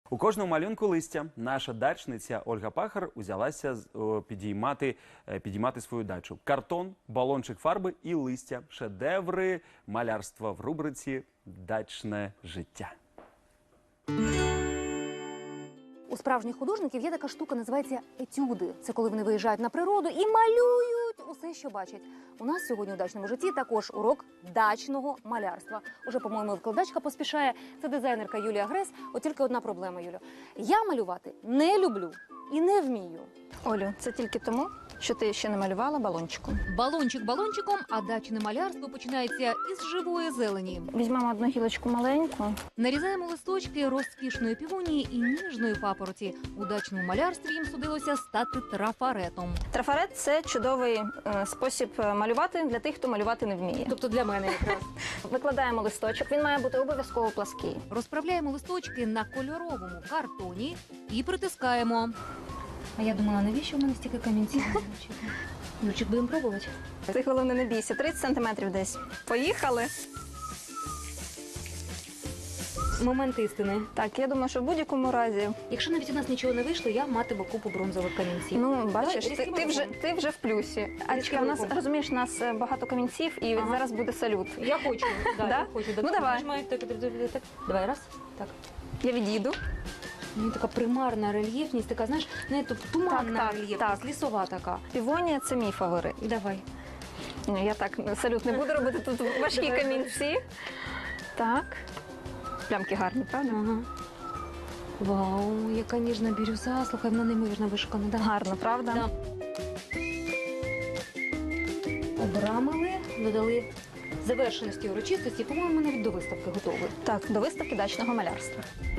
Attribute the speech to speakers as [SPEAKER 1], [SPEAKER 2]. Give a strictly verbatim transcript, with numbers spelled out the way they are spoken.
[SPEAKER 1] У кожному малюнку листя наша дачниця Ольга Пахар узялася о, підіймати, е, підіймати свою дачу. Картон, балончик фарби і листя – шедеври малярства в рубриці «Дачне життя».
[SPEAKER 2] У справжніх художників є така штука, називається етюди. Це коли вони виїжджають на природу і малюють усе, що бачать. У нас сьогодні у дачному житті також урок дачного малярства. Уже, по-моєму, викладачка поспішає. Це дизайнерка Юлія Грес. От тільки одна проблема, Юля. Я малювати не люблю і не вмію.
[SPEAKER 3] Олю, це тільки тому, що ти ще не малювала балончиком.
[SPEAKER 2] Балончик балончиком, а дачне малярство починається із живої зелені.
[SPEAKER 3] Візьмемо одну гілочку маленьку.
[SPEAKER 2] Нарізаємо листочки розкішної півонії і ніжної папороті. У дачному малярстві їм судилося стати трафаретом.
[SPEAKER 3] Трафарет – це чудовий е, спосіб малювати для тих, хто малювати не вміє.
[SPEAKER 2] Тобто для мене якраз.
[SPEAKER 3] Викладаємо листочок, він має бути обов'язково плаский.
[SPEAKER 2] Розправляємо листочки на кольоровому картоні і притискаємо. А я думала, навіщо в мене стільки камінців? Юрчик, будемо пробувати?
[SPEAKER 3] Ти, головне, не бійся, тридцять сантиметрів десь. Поїхали.
[SPEAKER 2] Момент істини.
[SPEAKER 3] Так, я думаю, що в будь-якому разі.
[SPEAKER 2] Якщо навіть у нас нічого не вийшло, я матиму купу бронзових камінців.
[SPEAKER 3] Ну, бачиш,
[SPEAKER 2] Давай,
[SPEAKER 3] ти, ти, вже, ти вже в плюсі. Алічка, у нас,
[SPEAKER 2] рухом.
[SPEAKER 3] розумієш, у нас е, багато камінців, і
[SPEAKER 2] Ага.
[SPEAKER 3] зараз буде салют.
[SPEAKER 2] Я хочу, да,
[SPEAKER 3] Да?
[SPEAKER 2] я хочу.
[SPEAKER 3] Ну, давай.
[SPEAKER 2] Нажимаю, так, так, так, так. Давай, раз. Так.
[SPEAKER 3] Я відійду.
[SPEAKER 2] Ну, така примарна рельєфність, така, знаєш, не то туманна
[SPEAKER 3] Так, так,
[SPEAKER 2] рельєфність,
[SPEAKER 3] так.
[SPEAKER 2] лісова така.
[SPEAKER 3] Півонія – це мій фаворит.
[SPEAKER 2] Давай.
[SPEAKER 3] Ні, я так салют не буду робити, тут важкі
[SPEAKER 2] Давай.
[SPEAKER 3] камінці. Так. Плямки гарні, правда?
[SPEAKER 2] Ага. Вау, яка ніжна бірюза. Слухай, вона неймовірно вишукана. Да.
[SPEAKER 3] Гарно, правда?
[SPEAKER 2] Да. Обрамили, додали завершеності урочистості. По-моєму, навіть до виставки готові.
[SPEAKER 3] Так, до виставки дачного малярства.